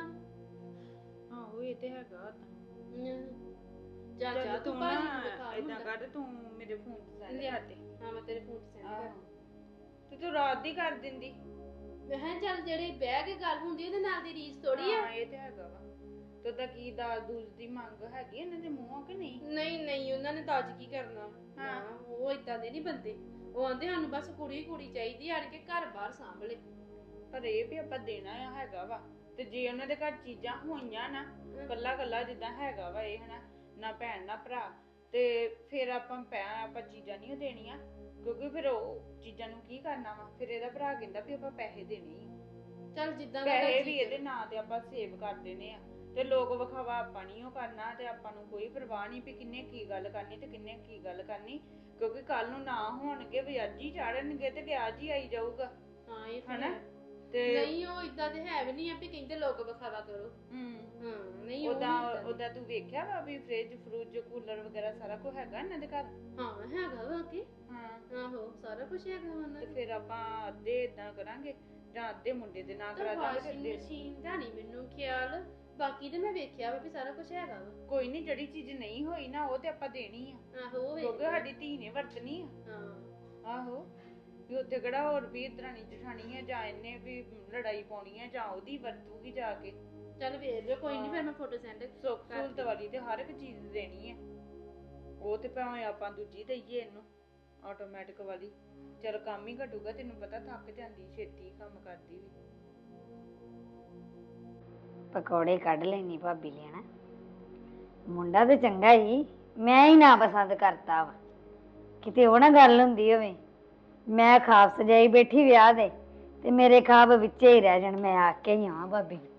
ਆਹੋ ਇਹ ਤੇ ਹੈਗਾ ਤਾਂ।
ਚਾਚਾ ਤੂੰ ਭਾਜੀ ਨੂੰ ਦਿਖਾ
ਏਦਾਂ ਕਰ, ਤੂੰ ਮੇਰੇ ਫੋਨ ਤੇ ਸੈਂਡ
ਲਿਆ
ਕਰ ਦੇ।
ਹਾਂ ਮੈਂ ਤੇਰੇ ਫੋਨ ਤੇ ਸੈਂਡ ਕਰ
ਤੇ ਤੂੰ ਰਾਤ ਦੀ ਕਰ ਦਿੰਦੀ।
ਮੈਂ ਕਿਹਾ ਚੱਲ ਜਿਹੜੀ ਬਹਿ ਕੇ ਗੱਲ ਹੁੰਦੀ ਉਹਦੇ ਨਾਲ ਦੀ ਰੀਸ ਥੋੜੀ ਆ।
ਹਾਂ ਇਹ ਤੇ ਹੈਗਾ ਵਾ। ਤੇ ਉਹਦਾ ਕੀ ਦਾਲ ਦੂਜ ਦੀ ਮੰਗ ਹੈਗੀ ਇਹਨਾਂ ਦੇ ਮੂੰਹੋਂ ਕਿ ਨਹੀਂ?
ਨਹੀਂ ਉਹਨਾਂ ਨੇ ਤਾਂ ਅੱਜ ਕੀ ਕਰਨਾ। ਹਾਂ ਉਹ ਇਦਾਂ ਦੇ ਨਹੀਂ ਬੰਦੇ। ਉਹ ਆਂਦੇ ਸਾਨੂੰ ਬਸ ਕੁੜੀ ਚਾਹੀਦੀ ਆਣ ਕੇ ਘਰ ਬਾਹਰ ਸਾਂਭਲੇ।
ਪਰ ਇਹ ਵੀ ਆਪਾਂ ਦੇਣਾ ਆ ਹੈਗਾ ਵਾ। ਤੇ ਜੇ ਉਹਨਾਂ ਦੇ ਘਰ ਚੀਜ਼ਾਂ ਹੋਈਆਂ ਨਾ ਕੱਲਾ ਜਿੱਦਾਂ ਹੈਗਾ ਵਾ ਇਹ ਹਨਾ, ਨਾ ਭੈਣ ਨਾ ਭਰਾ, ਤੇ ਫਿਰ ਆਪਾਂ ਚੀਜ਼ਾਂ ਨਹੀਂ ਦੇਣੀਆਂ ਕਿਉਂਕਿ ਫਿਰ ਉਹ ਚੀਜ਼ਾਂ ਨੂੰ ਕੀ ਕਰਨਾ ਵਾ। ਫਿਰ ਇਹਦਾ ਭਰਾ ਕਹਿੰਦਾ ਵੀ ਆਪਾਂ ਪੈਸੇ ਦੇਣੇ ਆ।
ਚੱਲ ਜਿੱਦਾਂ
ਪੈਸੇ ਵੀ ਇਹਦੇ ਨਾਂ ਤੇ ਆਪਾਂ ਸੇਵ ਕਰ ਦੇਣੇ ਆ ਤੇ ਲੋਕ ਵਿਖਾਵਾ ਆਪਾਂ ਨਹੀਂ ਉਹ ਕਰਨਾ। ਤੇ ਆਪਾਂ ਨੂੰ ਕੋਈ ਪਰਵਾਹ ਨਹੀਂ ਵੀ ਕਿੰਨੇ ਕੀ ਗੱਲ ਕਰਨੀ ਤੇ ਕਿੰਨੇ ਕੀ ਗੱਲ ਕਰਨੀ, ਕਿਉਂਕਿ ਕੱਲ ਨੂੰ ਨਾ ਹੋਣਗੇ ਵਿਆਜੀ ਚਾੜਨਗੇ ਤੇ ਵਿਆਜ ਹੀ ਆਈ ਜਾਊਗਾ।
ਹਾਂ ਇਹ
ਹਨਾ
ਤੇ ਨਹੀਂ ਉਹ ਇਦਾਂ ਦੇ ਹੈ ਵੀ ਨਹੀਂ ਆ ਵੀ ਕਹਿੰਦੇ ਲੋਕ ਵਿਖਾਵਾ ਕਰੋ। ਹਾਂ ਨਹੀਂ
ਉਹਦਾ ਤੂੰ ਵੇਖਿਆ ਵਾ ਵੀ ਫ੍ਰਿਜ ਕੂਲਰ ਵਗੈਰਾ ਸਾਰਾ ਕੁਝ ਹੈਗਾ ਇਹਨਾਂ ਦੇ ਘਰ?
ਹਾਂ ਹੈਗਾ ਵਾ ਕਿ
ਹਾਂ
ਆਹੋ ਸਾਰਾ ਕੁਝ ਹੈਗਾ ਉਹਨਾਂ
ਤੇ
ਦੇ।
ਫਿਰ ਆਪਾਂ ਅੱਧੇ ਇਦਾਂ ਕਰਾਂਗੇ ਜਾਂ ਅੱਧੇ ਮੁੰਡੇ ਦੇ ਨਾਂ ਕਰਾ ਦਾਂਗੇ।
ਵਾਸ਼ਿੰਗ ਮਸ਼ੀਨ ਦਾ ਨਹੀਂ ਮੈਨੂੰ ਖਿਆਲ ਬਾਕੀ ਤੇ ਮੈਂ ਵੇਖਿਆ ਵਾ ਵੀ ਸਾਰਾ ਕੁਝ ਹੈਗਾ ਵਾ।
ਕੋਈ ਨਹੀਂ, ਜਿਹੜੀ ਚੀਜ਼ ਨਹੀਂ ਹੋਈ ਨਾ ਉਹ ਤੇ ਆਪਾਂ ਦੇਣੀ ਆ,
ਆਹੋ ਉਹ
ਕਿਉਂਕਿ
ਵੇਖ
ਸਾਡੀ ਧੀ ਨੇ ਵਰਤਣੀ ਆ।
ਹਾਂ
ਆਹੋ, ਵੀ ਉੱਥੇ ਕਿਹੜਾ ਹੋਰ ਵੀ ਦਰਾਣੀ ਜਠਾਣੀ ਹੈ, ਜਾਂ ਇਹਨੇ ਵੀ ਲੜਾਈ ਪਾਉਣੀ ਹੈ, ਜਾਂ ਉਹਦੀ ਵਰਤੂਗੀ ਜਾ ਕੇ।
ਚੱਲ ਵੇਖ ਲਿਓ, ਕੋਈ ਨਹੀਂ ਫਿਰ ਮੈਂ ਫੋਟੋ ਸੈਂਡ
ਸੁੱਖ ਸਹੂਲਤ ਵਾਲੀ ਤੇ ਹਰ ਇੱਕ ਚੀਜ਼ ਦੇਣੀ ਹੈ। ਉਹ ਤੇ ਭਾਵੇਂ ਆਪਾਂ ਦੂਜੀ ਦਈਏ ਇਹਨੂੰ ਆਟੋਮੈਟਿਕ ਵਾਲੀ, ਚਲ ਕੰਮ ਹੀ ਘਟੂਗਾ। ਤੈਨੂੰ ਪਤਾ ਥੱਕ ਜਾਂਦੀ ਛੇਤੀ ਕੰਮ ਕਰਦੀ ਵੀ।
ਪਕੌੜੇ ਕੱਢ ਲੈਣੀ ਭਾਬੀ ਲੈਣਾ। ਮੁੰਡਾ ਤੇ ਚੰਗਾ ਹੀ, ਮੈਂ ਹੀ ਨਾ ਪਸੰਦ ਕਰਤਾ ਵਾ। ਕਿਤੇ ਉਹ ਨਾ ਗੱਲ ਹੁੰਦੀ ਹੋਵੇ ਮੈਂ ਖਾਬ ਸਜਾਈ ਬੈਠੀ ਵਿਆਹ ਦੇ ਤੇ ਮੇਰੇ ਖਾਬ ਵਿੱਚੇ ਹੀ ਰਹਿ ਜਾਣ। ਮੈਂ ਆ ਕੇ ਹੀ ਆਵਾਂ ਭਾਬੀ ਨੂੰ।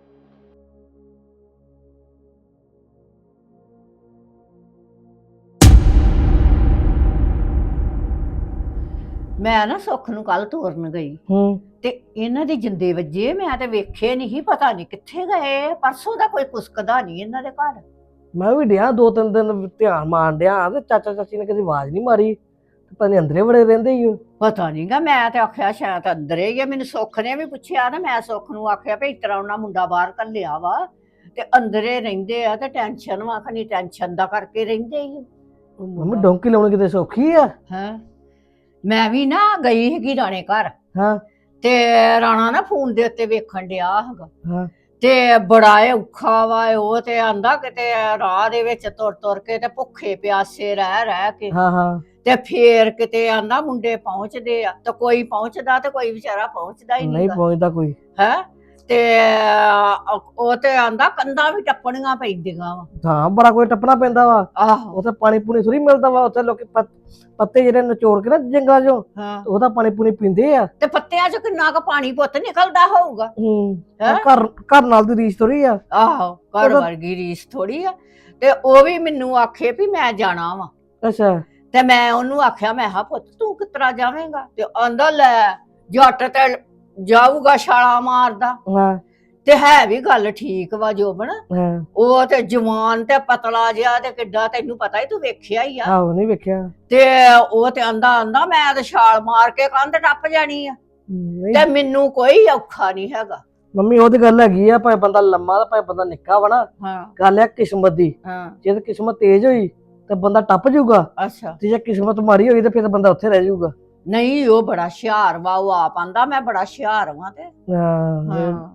ਮੈਂ ਨਾ ਸੁੱਖ ਨੂੰ ਕੱਲ ਤੋਰਨ ਗਈ
ਹੂੰ
ਤੇ ਇਹਨਾਂ ਦੇ ਜਿੰਦੇ ਵੱਜੇ, ਮੈਂ ਤੇ ਵੇਖੇ ਨਹੀਂ, ਪਤਾ ਨਹੀਂ ਕਿੱਥੇ ਗਏ। ਪਰਸੋਂ ਦਾ ਕੋਈ ਕੁਸਕਦਾ ਨਹੀਂ ਇਹਨਾਂ ਦੇ ਘਰ।
ਮੈਂ ਵੀ ਡਿਆ 2-3 ਦਿਨ ਧਿਆਨ ਮਾਰਨ ਡਿਆ ਤੇ ਚਾਚਾ ਚਾਚੀ ਨੇ ਕਦੀ ਆਵਾਜ਼ ਨਹੀਂ ਮਾਰੀ, ਤੇ ਪਤਾ ਨੀ ਅੰਦਰੇ ਬੜੇ ਰਹਿੰਦੇ ਹੀ ਉਹ।
ਪਤਾ ਨਹੀਂਗਾ, ਮੈਂ ਤੇ ਆਖਿਆ ਸ਼ਾਇਦ ਅੰਦਰੇ ਹੀ ਆ। ਮੈਨੂੰ ਸੁੱਖ ਨੇ ਵੀ ਪੁੱਛਿਆ ਨਾ, ਮੈਂ ਸੁੱਖ ਨੂੰ ਆਖਿਆ ਵੀ ਇਸ ਤਰ੍ਹਾਂ ਉਹਨਾਂ ਮੁੰਡਾ ਬਾਹਰ ਘੱਲਿਆ ਵਾ ਤੇ ਅੰਦਰੇ ਰਹਿੰਦੇ ਆ ਤੇ ਟੈਨਸ਼ਨ ਵਾ, ਖਣੀ ਟੈਨਸ਼ਨ ਦਾ ਕਰਕੇ ਰਹਿੰਦੇ ਹੀ।
ਮੰਮੀ ਡੌਂਕੀ ਲਾਉਣੀ ਕਿਤੇ ਸੌਖੀ ਆ?
ਹਾਂ, ਮੈਂ ਵੀ ਨਾ ਗਈ ਹੈਗੀ ਰਾਣੇ ਘਰ,
ਹਾਂ
ਤੇ ਰਾਣਾ ਨਾ ਫੋਨ ਦੇ ਉੱਤੇ ਵੇਖਣ ਡਿਆ ਹੈਗਾ,
ਹਾਂ
ਤੇ ਬੜਾ ਔਖਾ ਵਾ ਉਹ। ਤੇ ਆਂਦਾ ਕਿਤੇ ਰਾਹ ਦੇ ਵਿੱਚ ਤੁਰ ਤੁਰ ਕੇ ਤੇ ਭੁੱਖੇ ਪਿਆਸੇ ਰਹਿ ਕੇ
ਹਾਂ ਹਾਂ
ਤੇ ਫੇਰ ਕਿਤੇ ਆਂਦਾ ਮੁੰਡੇ ਪਹੁੰਚਦੇ ਆ, ਤੇ ਕੋਈ ਪਹੁੰਚਦਾ ਤੇ ਕੋਈ ਵਿਚਾਰਾ ਪਹੁੰਚਦਾ ਹੀ
ਨਹੀਂ
ਨਹੀਂ
ਪਹੁੰਚਦਾ ਕੋਈ।
ਹੈ। ਤੇ ਉਹ ਤੇ ਆਂਦਾ ਕੰਧਾਂ ਵੀ ਟੱਪਣੀਆਂ ਪੈਂਦੀਆਂ ਵਾ।
ਹਾਂ ਬੜਾ ਕੋਈ ਟੱਪਣਾ ਪੈਂਦਾ ਵਾ।
ਆਹੋ,
ਉੱਥੇ ਪਾਣੀ ਪੂਣੀ ਥੋੜੀ ਮਿਲਦਾ ਵਾ। ਉੱਥੇ ਲੋਕੀ ਪੱਤੇ ਜਿਹੜੇ ਨਚੋੜ ਕੇ ਨਾ ਜੰਗਲਾਂ ਚੋਂ
ਹਾਂ,
ਉਹਦਾ ਪਾਣੀ ਪੂਣੀ ਪੀਂਦੇ ਆ।
ਤੇ ਪੱਤਿਆਂ ਚ ਕਿੰਨਾ ਕੁ ਪਾਣੀ ਪੁੱਤ ਨਿਕਲਦਾ ਹੋਊਗਾ। ਹੈਂ?
ਘਰ ਘਰ ਨਾਲ ਦੀ ਰੀਸ ਥੋੜੀ ਆ।
ਆਹੋ, ਘਰ ਵਰਗੀ ਰੀਸ ਥੋੜੀ ਆ। ਤੇ ਉਹ ਵੀ ਮੈਨੂੰ ਆਖੇ ਵੀ ਮੈਂ ਜਾਣਾ ਵਾ,
ਅੱਛਾ
ਤੇ ਮੈਂ ਉਹਨੂੰ ਆਖਿਆ, ਮੈਂ ਕਿਹਾ ਪੁੱਤ ਤੂੰ ਕਿਸ ਤਰ੍ਹਾਂ ਜਾਵੇਂਗਾ? ਤੇ ਆਂਦਾ ਲੈ ਜੱਟ ਤੇ ਜਾਊਗਾ ਛਾਲਾ ਮਾਰਦਾ।
ਹਾਂ
ਤੇ ਹੈ ਵੀ ਗੱਲ ਠੀਕ ਵਾ ਜੋਬਨ,
ਹਾਂ
ਉਹ ਤੇ ਜਵਾਨ ਤੇ ਪਤਲਾ ਜਿਹਾ ਤੇ ਕਿੱਡਾ, ਤੈਨੂੰ ਪਤਾ ਹੀ, ਤੂੰ ਵੇਖਿਆ ਹੀ ਆ।
ਆਹੋ ਨਹੀਂ ਵੇਖਿਆ।
ਤੇ ਉਹ ਤੇ ਆਂਦਾ ਮੈਂ ਤੇ ਛਾਲ ਮਾਰ ਕੇ ਕੰਧ ਟੱਪ ਜਾਣੀ ਆ,
ਨਹੀਂ
ਤੇ ਮੈਨੂੰ ਕੋਈ ਔਖਾ ਨਹੀਂ ਹੈਗਾ।
ਮੰਮੀ ਉਹ ਤੇ ਗੱਲ ਹੈਗੀ ਆ, ਭਾਵੇਂ ਬੰਦਾ ਲੰਮਾ ਤੇ ਭਾਵੇਂ ਬੰਦਾ ਨਿੱਕਾ ਵਾ ਨਾ,
ਹਾਂ
ਗੱਲ ਆ ਕਿਸਮਤ ਦੀ।
ਹਾਂ,
ਜੇ ਤੇ ਕਿਸਮਤ ਤੇਜ਼ ਹੋਈ ਤੇ ਬੰਦਾ ਟੱਪ ਜਾਊਗਾ,
ਅੱਛਾ।
ਤੇ ਜੇ ਕਿਸਮਤ ਮਾੜੀ ਹੋਈ ਤੇ ਫਿਰ ਬੰਦਾ ਉੱਥੇ ਰਹਿ ਜਾਊਗਾ।
ਨਹੀਂ, ਉਹ ਬੜਾ ਹੁਸ਼ਿਆਰ ਵਾ, ਉਹ ਆਪ ਆਂਦਾ ਮੈਂ ਬੜਾ ਹੁਸ਼ਿਆਰ ਵਾਂ। ਤੇ
ਹਾਂ
ਹਾਂ,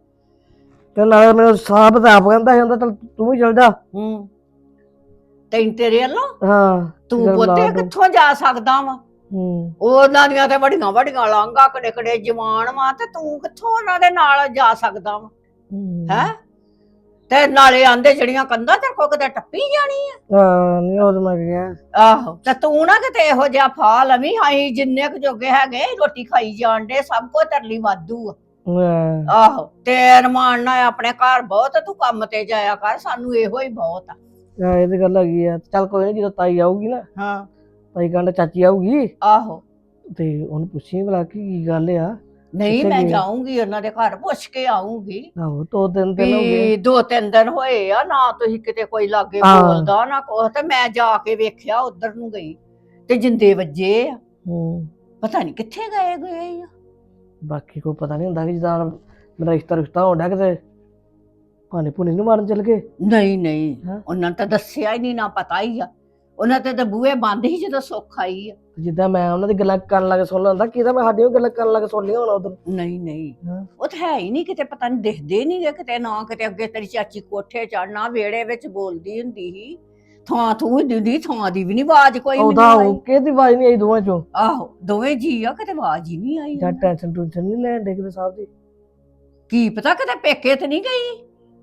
ਤੇ ਨਾਲ ਮੈਨੂੰ ਸਾਹਬ ਤਾਂ ਆਪ ਕਹਿੰਦਾ ਹੁੰਦਾ ਚੱਲ ਤੂੰ ਵੀ ਚੱਲ ਜਾ।
ਹੂੰ, ਤੇਰੇ ਵੱਲੋਂ
ਹਾਂ
ਤੂੰ
ਚੱਲ
ਪੁੱਤੇ
ਲਾ ਦੂੰ।
ਕਿੱਥੋਂ ਜਾ ਸਕਦਾ ਵਾ?
ਹੂੰ
ਉਹਨਾਂ ਦੀਆਂ ਤੇ ਵੱਡੀਆਂ ਵੱਡੀਆਂ ਲਾਂਘਾਂ ਕੜੇ ਕੜੇ ਜਵਾਨ ਵਾ, ਤੇ ਤੂੰ ਕਿੱਥੋਂ ਉਹਨਾਂ ਦੇ ਨਾਲ ਜਾ ਸਕਦਾ ਵਾ? ਹੈ, ਤੇ ਨਾਲੇ ਆਂਦੇ ਜਿਹੜੀਆਂ ਕੰਧਾਂ ਤੇ ਕੋ ਕਿਤੇ ਟੱਪੀ ਜਾਣੀ ਆ।
ਹਾਂ ਨਹੀਂ ਉਹ ਤਾਂ ਮੈਂ ਗਿਆ।
ਆਹੋ, ਤੇ ਤੂੰ ਨਾ ਕਿਤੇ ਇਹੋ ਜਿਹਾ ਫਾ ਲਵੀਂ। ਅਸੀਂ ਜਿੰਨੇ ਕੁ ਜੋਗੇ ਹੈਗੇ ਰੋਟੀ ਖਾਈ ਜਾਣ ਦੇ, ਸਭ ਕੁਝ ਤਰਲੀ ਵਾਧੂ ਆ।
ਹਾਂ
ਆਹੋ, ਤੇ ਰਮਾਨ ਨਾਲ ਆਪਣੇ ਘਰ ਬਹੁਤ, ਤੂੰ ਕੰਮ ਤੇ ਜਾਇਆ ਕਰ, ਸਾਨੂੰ ਇਹੋ ਹੀ ਬਹੁਤ ਆ।
ਇਹ ਤੇ ਗੱਲ ਹੈਗੀ ਆ। ਚੱਲ ਕੋਈ ਨਹੀਂ, ਜਦੋਂ ਤਾਈ ਆਊਗੀ ਨਾ,
ਹਾਂ,
ਤਾਈ ਕਹਿੰਦਾ ਚਾਚੀ ਆਊਗੀ
ਆਹੋ,
ਤੇ ਉਹਨੂੰ ਪੁੱਛੀ ਭਲਾ ਕੀ ਗੱਲ ਆ।
ਨਹੀਂ
ਕਿੱਥੇ
ਮੈਂ
ਗਏ?
ਜਾਊਂਗੀ ਉਹਨਾਂ ਦੇ ਘਰ, ਪੁੱਛ ਕੇ ਆਊਂਗੀ।
ਆਹੋ 2-3 ਦਿਨ ਹੋ ਗਏ।
ਵੀ 2-3 ਦਿਨ ਹੋਏ ਆ ਨਾ, ਤੁਸੀਂ ਕਿਤੇ ਕੋਈ ਲਾਗੇ
ਹਾਂ।
ਬੋਲਦਾ ਨਾ ਕੁਛ, ਤੇ ਮੈਂ ਜਾ ਕੇ ਵੇਖਿਆ, ਉਧਰ ਨੂੰ ਗਈ ਤੇ ਜਿੰਦੇ ਵੱਜੇ ਆ।
ਹੂੰ
ਪਤਾ ਨਹੀਂ ਕਿੱਥੇ ਗਏ ਆ।
ਬਾਕੀ ਕੋਈ ਪਤਾ ਨਹੀਂ ਹੁੰਦਾ ਕਿ ਜਿੱਦਾਂ ਮੇਰਾ ਰਿਸ਼ਤਾ ਹੋਣ ਡਿਆ ਕਿਤੇ ਭਾਨੇ ਭੂਨੇ ਨੂੰ ਮਾਰਨ ਚੱਲ ਗਏ।
ਨਹੀਂ
ਹਾਂ।
ਉਹਨਾਂ ਨੇ ਤਾਂ ਦੱਸਿਆ ਹੀ ਨਹੀਂ, ਨਾ ਪਤਾ ਹੀ ਆ। ਉਹਨਾਂ ਤੇ ਤਾਂ ਬੂਹੇ ਬੰਦ ਹੀ ਜਦੋਂ ਸੁੱਖ ਆਈ ਆ।
ਜਿੱਦਾਂ ਮੈਂ ਉਹਨਾਂ ਦੀ ਗੱਲਾਂ ਕਰਨ ਲੱਗ ਸੁਣ ਲੈਂਦਾ, ਕਿਹਦਾ ਮੈਂ ਸਾਡੀਆਂ ਵੀ ਗੱਲਾਂ ਕਰਨ ਲੱਗ ਸੁਣ ਲਿਆ ਹੋਣਾ ਉਧਰ।
ਨਹੀਂ
ਹਾਂ। ਉਹ
ਉਹ ਤਾਂ ਹੈ ਹੀ ਨਹੀਂ ਕਿਤੇ, ਪਤਾ ਨਹੀਂ ਦਿਖਦੇ ਨਹੀਂ ਕਿਤੇ ਨਾ ਕਿਤੇ। ਅੱਗੇ ਤੇਰੀ ਚਾਚੀ ਕੋਠੇ ਚੜਨਾ, ਵਿਹੜੇ ਵਿੱਚ ਬੋਲਦੀ ਹੁੰਦੀ ਸੀ, ਥਾਂ ਥੂ ਦਿੰਦੀ, ਥਾਂ ਦੀ ਵੀ ਨਹੀਂ ਆਵਾਜ਼ ਕੋਈ ਮੈਨੂੰ
ਉਹਦਾ
ਆਈ।
ਕਿਹਦੀ ਆਵਾਜ਼ ਨਹੀਂ ਆਈ ਦੋਵਾਂ ਚੋਂ।
ਆਹੋ, ਦੋਵੇਂ ਜੀ ਆ, ਕਿਤੇ ਆਵਾਜ਼ ਹੀ ਨਹੀਂ ਆਈ।
ਜਾਂ ਟੈਨਸ਼ਨ ਟੂਸ਼ਨ ਨਹੀਂ ਲੈਣ ਡੇ ਕਿਤੇ ਸਾਹਿਬ ਦੀ।
ਕੀ ਪਤਾ ਕਿਤੇ ਪੇਕੇ ਤੇ ਨਹੀਂ ਗਈ।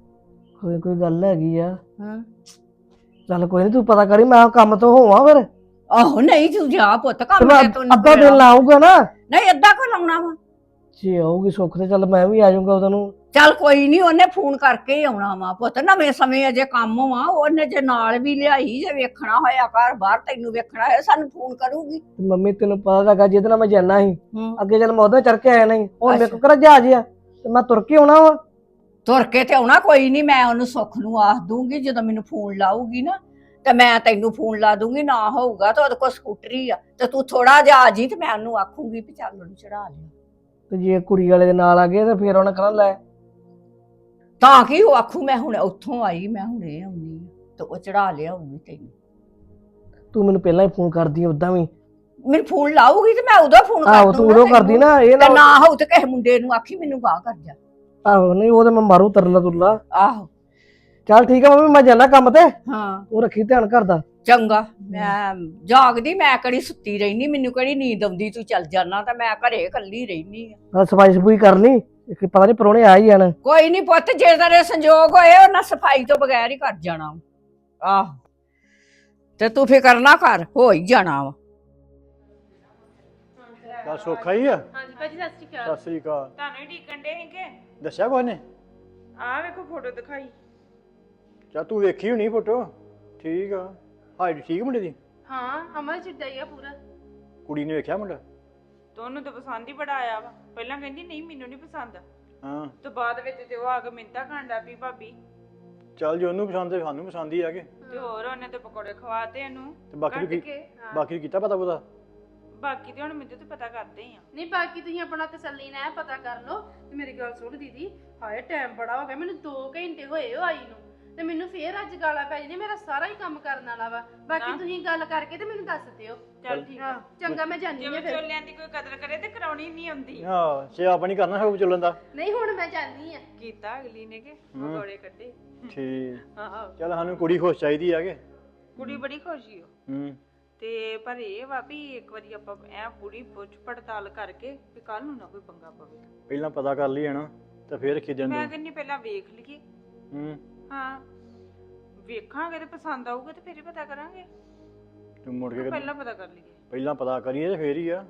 ਕੋਈ ਗੱਲ ਹੈਗੀ ਆ।
ਹਾਂ,
ਚੱਲ ਕੋਈ ਨਹੀਂ, ਤੂੰ ਪਤਾ ਕਰੀ, ਮੈਂ ਕੰਮ ਤੋਂ ਹੋਵਾਂ ਫਿਰ।
ਆਹੋ, ਨਹੀਂ ਤੂੰ ਜਾ ਪੁੱਤ,
ਤੇ
ਕੰਮ
ਮੈਂ
ਤੇ ਤੂੰ
ਅੱਧਾ ਦਿਨ ਲਾਊਗਾ ਨਾ,
ਨਹੀਂ, ਅੱਧਾ ਕੋ ਲਾਉਣਾ ਵਾ।
ਜੇ ਆਊਗੀ ਸੁੱਖ ਤੇ ਚੱਲ ਮੈਂ ਵੀ ਆ ਜਾਊਂਗਾ ਉਦੋਂ ਨੂੰ।
ਚੱਲ ਕੋਈ ਨਹੀਂ, ਉਹਨੇ ਫੋਨ ਕਰਕੇ ਹੀ ਆਉਣਾ ਵਾ ਪੁੱਤ। ਨਵੇਂ ਸਮੇਂ ਅਜੇ ਕੰਮ ਵਾ, ਉਹਨੇ ਜੇ ਨਾਲ ਵੀ ਲਿਆਈ, ਜੇ ਵੇਖਣਾ ਹੋਇਆ ਘਰ ਬਾਹਰ, ਤੈਨੂੰ ਵੇਖਣਾ ਹੋਇਆ, ਸਾਨੂੰ ਫੋਨ ਕਰੂਗੀ।
ਤੇ ਮੰਮੀ ਤੈਨੂੰ ਪਤਾ ਲੱਗਾ ਜਿਹਦੇ ਨਾਲ ਮੈਂ ਜਾਣਾ ਸੀ,
ਹੂੰ,
ਅੱਗੇ ਚੱਲ ਮੈਂ ਉਹਦਾ ਚੜ ਕੇ ਆਇਆ ਨਹੀਂ, ਹੁਣ ਮੇਰੇ
ਅੱਛਾ।
ਕੋਲ ਕਿਹੜਾ ਜਹਾਜ਼ ਆ, ਤੇ ਮੈਂ ਤੁਰ ਕੇ ਆਉਣਾ ਵਾ।
ਤੁਰ ਕੇ ਤੇ ਆਉਣਾ ਕੋਈ ਨਹੀਂ, ਮੈਂ ਉਹਨੂੰ ਸੁੱਖ ਨੂੰ ਆਖ ਦੂੰਗੀ ਜਦੋਂ ਮੈਨੂੰ ਫੋਨ ਲਾਊਗੀ ਨਾ, ਤੇ ਮੈਂ ਤੈਨੂੰ ਫੋਨ ਲਾ ਦੂੰਗੀ। ਨਾ ਹੋਊਗਾ ਤਾਂ ਉਹਦੇ ਕੋਲ ਸਕੂਟਰੀ ਆ, ਤੇ ਤੂੰ ਥੋੜਾ ਜਿਹਾ ਆ ਜੀ, ਤੇ ਮੈਂ ਉਹਨੂੰ ਆਖੂੰਗੀ ਵੀ ਚੱਲ ਉਹਨੂੰ ਚੜਾ ਲਿਆ।
ਤੇ ਜੇ ਕੁੜੀ ਵਾਲੇ ਦੇ ਨਾਲ ਆ ਗਏ ਤੇ ਫਿਰ ਉਹਨੇ ਕਹਿਣਾ ਲੈ।
ਤਾਂ ਕੀ ਉਹ ਆਖੂ ਮੈਂ ਹੁਣ ਉੱਥੋਂ ਆਈ, ਮੈਂ ਹੁਣੇ ਆਉਣੀ ਤੇ ਉਹ ਚੜਾ ਲਿਆਉਗੀ ਤੈਨੂੰ।
ਤੂੰ ਮੈਨੂੰ ਪਹਿਲਾਂ ਹੀ ਫੋਨ ਕਰਦੀ ਉਦਾਂ ਵੀ।
ਮੈਨੂੰ ਫੋਨ ਲਾਊਗੀ ਤੇ ਮੈਂ ਉਦੋਂ ਫੋਨ ਕਰ
ਆਹੋ ਤੂੰ ਉਦੋਂ ਕਰਦੀ ਨਾ, ਇਹ
ਤੇ
ਨਾ
ਨਾ ਹੋਊ ਤੇ ਕਿਸੇ ਮੁੰਡੇ ਨੂੰ ਆਖੀ ਮੈਨੂੰ ਗਾਹ ਕਰ ਜਾ।
ਆਹੋ ਨਹੀਂ ਉਹ ਤੇ ਮੈਂ ਮਾਰੂ ਤਰਲਾ ਤੁਰਲਾ।
ਆਹੋ
ਚੱਲ ਠੀਕ ਆ ਮੰਮੀ, ਮੈਂ ਜਾਣਾ ਕੰਮ ਤੇ।
ਹਾਂ
ਉਹ ਰੱਖੀ ਧਿਆਨ ਕਰਦਾ।
ਚੰਗਾ। ਮੈਂ ਜਾਗਦੀ, ਮੈਂ ਕਿਹੜੀ ਸੁੱਤੀ ਰਹਿਨੀ, ਮੈਨੂੰ ਕਿਹੜੀ ਨੀਂਦ ਆਉਂਦੀ, ਤੂੰ ਚੱਲ ਜਾਣਾ ਤਾਂ ਮੈਂ ਘਰੇ ਇਕੱਲੀ ਰਹਿਨੀ ਆ।
ਨਾਲ ਸਫਾਈ ਸਫੂਈ ਕਰ ਲਈ, ਪਤਾ ਨਹੀਂ ਪਰੋਣੇ ਆ ਹੀ ਜਾਣ।
ਕੋਈ ਨਹੀਂ ਪੁੱਤ, ਜੇ ਤੇਰੇ ਸੰਜੋਗ ਹੋਏ ਉਹਨਾਂ ਸਫਾਈ ਤੋਂ ਬਗੈਰ ਹੀ ਕਰ ਜਾਣਾ। ਆਹ ਤੇ ਤੂੰ ਫਿਕਰ ਨਾ ਕਰ, ਹੋ ਹੀ ਜਾਣਾ ਵਾ।
ਤਾਂ ਸੌਖਾ ਹੀ ਆ।
ਹਾਂਜੀ ਭਾਜੀ ਸਤਿ ਸ਼੍ਰੀ ਅਕਾਲ।
ਸਤਿ ਸ੍ਰੀ ਅਕਾਲ।
ਤੁਹਾਨੂੰ ਹੀ ਢੀਕਣ ਡੇ ਸੀਗੇ।
ਦੱਸਿਆ ਕੁਛ ਨੇ?
ਆਹ ਵੇਖੋ ਫੋਟੋ ਦਿਖਾਈ।
ਚਾ ਤੂੰ ਵੇਖੀ ਹੋਣੀ ਫੋਟੋ। ਠੀਕ ਆ, ਹਾਈਟ ਠੀਕ ਮੁੰਡੇ ਦੀ?
ਹਾਂ ਅਮਰ ਜਿੱਦਾਂ ਹੀ ਆ ਪੂਰਾ।
ਕੁੜੀ ਨੇ ਵੇਖਿਆ ਮੁੰਡਾ?
ਤੁਹਾਨੂੰ ਤਾਂ ਪਸੰਦ ਹੀ ਬੜਾ ਆਇਆ ਵਾ। ਪਹਿਲਾਂ ਕਹਿੰਦੀ ਨਹੀਂ ਮੈਨੂੰ ਨਹੀਂ ਪਸੰਦ,
ਹਾਂ
ਤੇ ਬਾਅਦ ਵਿੱਚ ਤੇ ਉਹ ਆ ਕੇ ਮਿੰਤਾ ਖਾਂਦਾ ਵੀ ਭਾਬੀ।
ਚੱਲ ਜੇ ਉਹਨੂੰ ਪਸੰਦ ਹੈ ਸਾਨੂੰ ਪਸੰਦ ਹੀ ਆ ਕੇ।
ਤੇ ਹੋਰ ਉਹਨੇ ਤੇ ਪਕੌੜੇ ਖਵਾਤੇ ਇਹਨੂੰ
ਤੇ ਬਾਕੀ
ਕੱਢ
ਨੂੰ
ਕੇ।
ਬਾਕੀ ਨੂੰ ਕੀਤਾ ਪਤਾ ਪਤਾ?
ਬਾਕੀ ਤੇ ਹੁਣ ਮੈਨੂੰ ਤੇ ਪਤਾ ਕਰਦੇ ਹੀ ਆ।
ਨਹੀਂ ਬਾਕੀ ਤੁਸੀਂ ਆਪਣਾ ਤਸੱਲੀ ਨਾਲ ਪਤਾ ਕਰ ਲਓ। ਤੇ ਮੇਰੀ ਗੱਲ ਸੁਣ ਦੀਦੀ, ਹਾਏ ਟਾਈਮ ਬੜਾ ਹੋ ਗਿਆ, ਮੈਨੂੰ 2 ਘੰਟੇ ਹੋਏ ਹੋ ਆਈ ਨੂੰ, ਤੇ ਮੈਨੂੰ ਫੇਰ ਅੱਜ ਗਾਲਾਂ ਪੈ ਜਾਂਦੀਆਂ। ਮੇਰਾ ਸਾਰਾ ਹੀ ਕੰਮ ਕਰਨ ਵਾਲਾ ਵਾ। ਬਾਕੀ ਤੁਸੀਂ ਗੱਲ ਕਰਕੇ ਤੇ ਮੈਨੂੰ ਦੱਸ ਦਿਓ।
ਚੱਲ ਠੀਕ ਆ।
ਚੰਗਾ ਮੈਂ ਜਾਣੀ
ਜੇ
ਆ ਫਿਰ।
ਵਿਚੋਲਿਆਂ ਦੀ ਕੋਈ ਕਦਰ ਕਰੇ ਤੇ ਕਰਾਉਣੀ ਨਹੀਂ ਆਉਂਦੀ।
ਹਾਂ ਸੇਵਾ ਨਹੀਂ ਕਰਨਾ ਸਭ ਚੱਲਣ ਦਾ।
ਨਹੀਂ ਹੁਣ ਮੈਂ ਜਾਣੀ ਆ।
ਕੀਤਾ ਅਗਲੀ ਨੇ ਕਿ ਪਕੌੜੇ ਕੱਢੇ।
ਠੀਕ।
ਹਾਂ
ਚੱਲ ਸਾਨੂੰ ਕੁੜੀ ਖੁਸ਼ ਚਾਹੀਦੀ ਆ ਕੇ।
ਕੁੜੀ ਬੜੀ ਖੁਸ਼ੀ ਹੋ।
ਹੂੰ
ਤੇ ਪਰ ਇਹ ਵਾ ਵੀ ਇੱਕ ਵਾਰੀ ਆਪਾਂ ਐ ਪੂਰੀ ਪੁੱਛ ਪੜਤਾਲ ਕਰਕੇ ਵੀ ਕੱਲ ਨੂੰ ਨਾ ਕੋਈ ਪੰਗਾ ਪਵੇ।
ਪਹਿਲਾਂ ਪਤਾ ਕਰ ਲਈ ਨਾ ਤੇ ਫੇਰ ਖਿਜਣ
ਮੈਂ
ਦੇ।
ਕਹਿੰਨੀ ਪਹਿਲਾਂ ਵੇਖ ਲਈਏ।
ਹੂੰ
ਹਾਂ ਵੇਖਾਂਗੇ ਤੇ ਪਸੰਦ ਆਊਗਾ ਤੇ ਫੇਰ ਹੀ ਪਤਾ ਕਰਾਂਗੇ।
ਤੂੰ ਮੁੜ ਕੇ
ਪਹਿਲਾਂ ਪਤਾ ਕਰ ਲਈਏ।
ਪਹਿਲਾਂ ਪਤਾ ਕਰੀਏ ਤੇ ਫੇਰ ਹੀ ਆ।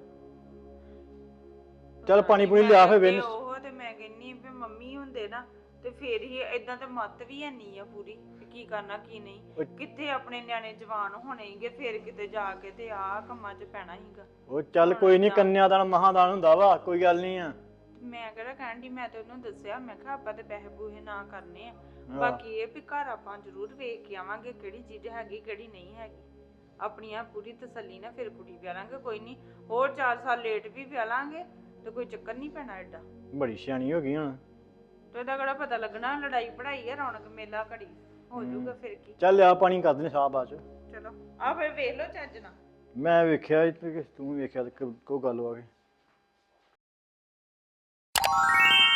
ਚੱਲ ਪਾਣੀ ਪੂਣੀ ਲਿਆ ਫੇ ਵੇਨ।
ਉਹ ਤੇ ਮੈਂ ਕਹਿੰਨੀ ਵੀ ਮੰਮੀ ਹੁੰਦੇ ਨਾ ਤੇ ਫੇਰ ਹੀ ਏਦਾਂ ਤੇ ਮੱਤ ਵੀ ਨਹੀਂ ਆ ਪੂਰੀ ਕਿ ਕੀ ਕਰਨਾ ਕੀ ਨਹੀਂ। ਕਿੱਥੇ ਆਪਣੇ ਨਿਆਣੇ ਜਵਾਨ ਹੋਣੇ ਹੀਗੇ ਫੇਰ ਕਿਤੇ ਜਾ ਕੇ ਤੇ ਆਹ ਕੰਮਾਂ 'ਚ ਪੈਣਾ ਹੀਗਾ।
ਉਹ ਚੱਲ ਕੋਈ ਨਹੀਂ, ਕੰਨਿਆਦਾਨ ਮਹਾਦਾਨ ਹੁੰਦਾ ਵਾ, ਕੋਈ ਗੱਲ ਨਹੀਂ ਆ।
ਮੈਂ ਕਿਹੜਾ ਕਹਿਣ ਦੀ, ਮੈਂ ਤੇ ਉਹਨੂੰ ਦੱਸਿਆ ਮੈਂ ਕਿਹਾ ਆਪਾਂ ਤੇ ਪੈਸੇ ਪੂਹੇ ਨਾ ਕਰਨੇ ਆ। ਬਾਕੀ ਇਹ ਵੀ ਘਰ ਆਪਾਂ ਜ਼ਰੂਰ ਵੇਖ ਕੇ ਆਵਾਂਗੇ ਕਿਹੜੀ ਚੀਜ਼ ਹੈਗੀ ਕਿਹੜੀ ਨਹੀਂ ਹੈਗੀ। ਆਪਣੀ ਆ ਪੂਰੀ ਤਸੱਲੀ ਨਾਲ ਫਿਰ ਕੁੜੀ ਵਿਆਹ ਲਾਂਗੇ। ਕੋਈ ਨਹੀਂ ਹੋਰ 4 ਸਾਲ ਲੇਟ ਵੀ ਵਿਆਹ ਲਾਂਗੇ ਤੇ ਕੋਈ ਚੱਕਰ ਨਹੀਂ ਪੈਣਾ ਐਡਾ।
ਬੜੀ ਸਿਆਣੀ ਹੋ ਗਈ ਹੁਣ
ਤੇ ਇਹਦਾ ਕਿਹੜਾ ਪਤਾ ਲੱਗਣਾ, ਲੜਾਈ ਪੜਾਈ ਆ, ਰੌਣਕ ਮੇਲਾ ਘੜੀ ਹੋ ਜਾਊਗਾ ਫਿਰ ਕੀ।
ਚੱਲ ਆ ਪਾਣੀ ਕਰ ਦਿੰਦੇ ਸਾਹ ਬਾਅਦ ਚ।
ਚਲੋ ਆ ਫਿਰ ਵੇਖ ਲਓ ਚੱਜ ਨਾਲ।
ਮੈਂ ਵੇਖਿਆ ਤੂੰ ਵੇਖਿਆ ਤੇ ਕੋਈ ਗੱਲ ਆ ਗਈ।